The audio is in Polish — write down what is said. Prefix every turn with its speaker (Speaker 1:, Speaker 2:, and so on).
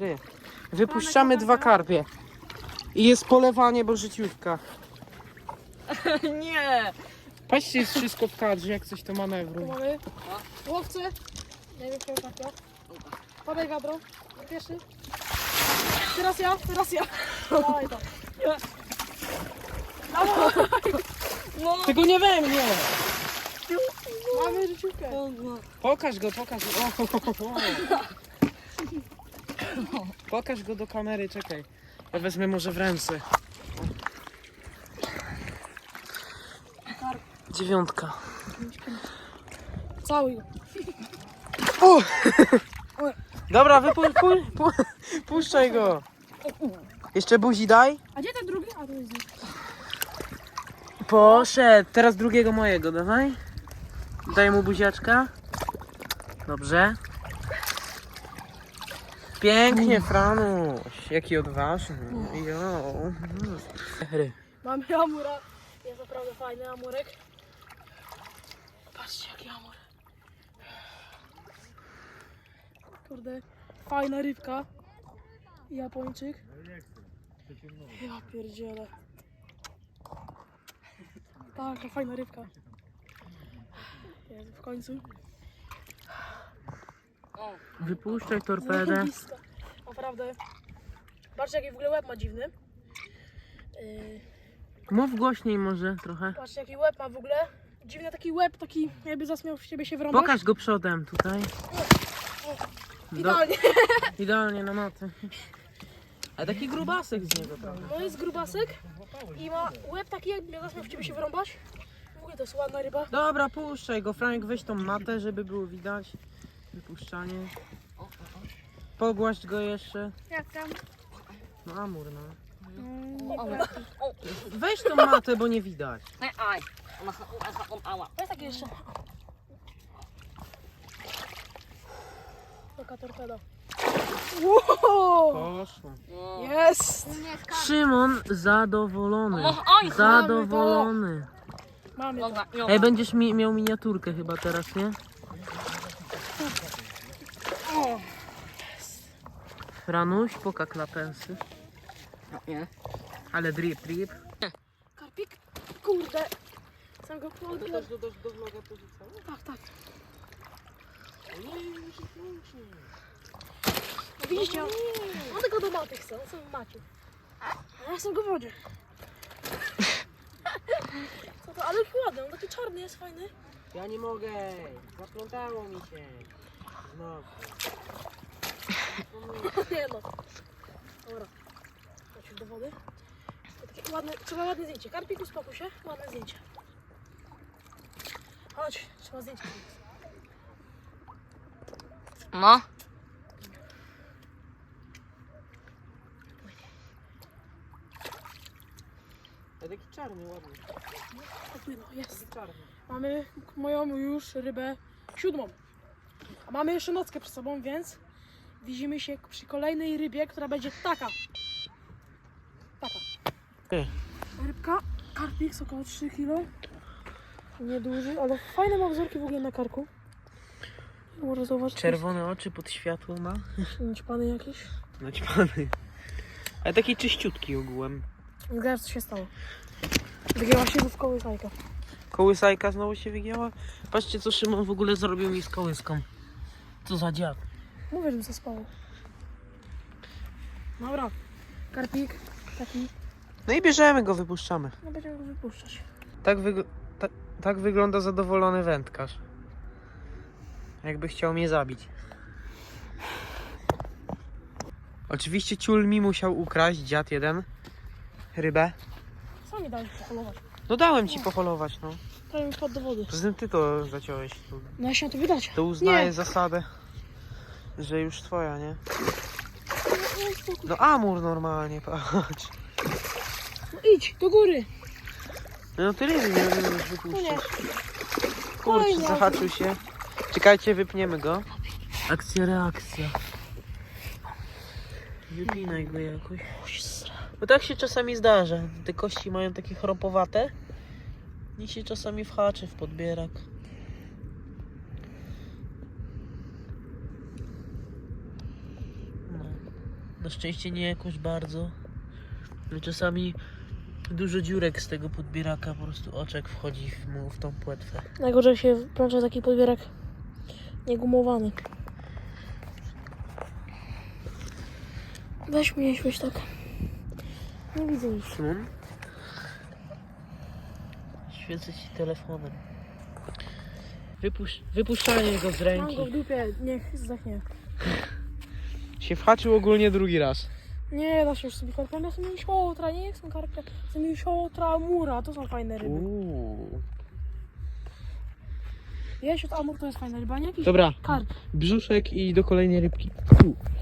Speaker 1: Wypuszczamy 2 karpie. I jest polewanie, bo życiówka.
Speaker 2: Nie!
Speaker 1: Patrzcie, jest wszystko w kadrze, jak coś to
Speaker 3: Tu
Speaker 1: manewru.
Speaker 3: mamy łowcę. Najlepszego karpia. Podaj wiadro. Pierwszy. Teraz ja. Dawaj to.
Speaker 2: No!
Speaker 1: Tego nie we mnie!
Speaker 3: Mamy życiówkę.
Speaker 1: Pokaż go. Pokaż go do kamery, czekaj. Ja wezmę może w ręce. 9.
Speaker 3: Cały.
Speaker 1: O! Dobra, puszczaj go. Jeszcze buzi daj.
Speaker 3: A gdzie ten drugi? A tu jest.
Speaker 1: Poszedł. Teraz drugiego mojego, dawaj. Daj mu buziaczka. Dobrze. Pięknie, Franuś. Jaki odważny. Jo.
Speaker 3: Mamy amura. Jest naprawdę fajny amurek. Patrzcie jaki amur. Kurde. Fajna rybka. Japończyk. Ja pierdzielę. Taka fajna rybka. Jest w końcu.
Speaker 1: Wypuszczaj torpedę.
Speaker 3: Zajebista. Naprawdę. Patrzcie jaki w ogóle łeb ma dziwny.
Speaker 1: Mów głośniej może trochę.
Speaker 3: Patrzcie jaki łeb ma w ogóle. Dziwny taki łeb, taki jakby zasmiał w ciebie się wrąbać.
Speaker 1: Pokaż go przodem tutaj.
Speaker 3: Idealnie.
Speaker 1: Idealnie na matę. A taki grubasek z niego, prawda?
Speaker 3: No jest grubasek i ma łeb taki jakby zasmiał w ciebie się wrąbać. Mówię, to jest ładna ryba.
Speaker 1: Dobra, puszczaj go. Franek, weź tą matę, żeby było widać. Wypuszczanie. Pogłaść go jeszcze.
Speaker 3: Jak tam?
Speaker 1: No amur, no.
Speaker 3: Dobra.
Speaker 1: Weź tą matę, bo nie widać.
Speaker 2: Aj! Ała.
Speaker 3: To jest taki jeszcze. Taka torpeda. Wow!
Speaker 1: Poszło.
Speaker 3: Jest!
Speaker 1: Szymon zadowolony.
Speaker 2: Oj,
Speaker 1: Zadowolony.
Speaker 3: Mamy to.
Speaker 1: Ej, będziesz miał miniaturkę chyba teraz, nie? Franuś, poka klapensy.
Speaker 2: Nie.
Speaker 1: Ale drip.
Speaker 3: Karpik? Kurde. Sam go południłem.
Speaker 1: do vloga porzucamy?
Speaker 3: Tak. No widzicie, on tylko do maty chce, on sobie macie. A ja jestem go w wodzie. Co to, ale ładny, on taki czarny jest, fajny.
Speaker 1: Ja nie mogę. Zaplątało mi się. No.
Speaker 3: Nie no. Dobra. Chodź do wody. To takie ładne, trzeba ładne zdjęcie. Karpik, uspokój się. Ładne zdjęcie. Chodź, trzeba zdjęcie.
Speaker 2: No.
Speaker 1: A taki czarny, ładny.
Speaker 3: Popłynął, jest.
Speaker 1: Czarny.
Speaker 3: Mamy moją już rybę 7. A mamy jeszcze nockę przed sobą, więc widzimy się przy kolejnej rybie, która będzie taka. Rybka, karpik, około 3 kg. Nieduży, ale fajne ma wzorki w ogóle na karku. Może zauważyć.
Speaker 1: Czerwone oczy pod światło ma.
Speaker 3: Naćpany jakiś.
Speaker 1: Naćpany. Ale taki czyściutki ogółem.
Speaker 3: Zgadzasz, co się stało. Wygięła się w kołysajkę.
Speaker 1: Kołysajka znowu się wygięła. Patrzcie, co Szymon w ogóle zrobił mi z kołyską. Co za dziad.
Speaker 3: Mówię, żebym zaspało. Dobra, karpik taki.
Speaker 1: No i bierzemy go, wypuszczamy.
Speaker 3: No będziemy go wypuszczać.
Speaker 1: Tak wygląda zadowolony wędkarz. Jakby chciał mnie zabić. Oczywiście ciul mi musiał ukraść, dziad jeden, rybę.
Speaker 3: Sami dali polować.
Speaker 1: No dałem ci poholować, no.
Speaker 3: Prawie mi wpadł do wody.
Speaker 1: Poza tym ty to zaciąłeś.
Speaker 3: No ja się na to wydać.
Speaker 1: To uznaję
Speaker 3: Nie.
Speaker 1: zasadę, że już twoja, nie? No amur normalnie, patrz.
Speaker 3: No idź, do góry.
Speaker 1: No ty ryby nie możesz
Speaker 3: No nie.
Speaker 1: wypuścić. Kurczę,
Speaker 3: Kolejny
Speaker 1: zahaczył się. Czekajcie, wypniemy go. Akcja, reakcja. Wypinaj go jakoś. Bo tak się czasami zdarza. Te kości mają takie chropowate. I się czasami whaczy w podbierak. No. Na szczęście nie jakoś bardzo. Ale czasami dużo dziurek z tego podbieraka, po prostu oczek wchodzi mu w tą płetwę.
Speaker 3: Najgorzej jak się plącze taki podbierak niegumowany. Weź mnie, weź tak. Nie widzę nic.
Speaker 1: Szum? Świecę ci telefonem. Wypuszczanie go z
Speaker 3: Mam
Speaker 1: ręki.
Speaker 3: go w dupie, niech zdechnie.
Speaker 4: Się whaczył ogólnie drugi raz.
Speaker 3: Nie da się już sobie karpia, ja sobie już siotra, nie chcę karpia. Chcę już siotra, amura, to są fajne ryby. Jesiot, amur to jest fajna ryba, nie jakiś
Speaker 4: Dobra,
Speaker 3: karp.
Speaker 4: brzuszek i do kolejnej rybki.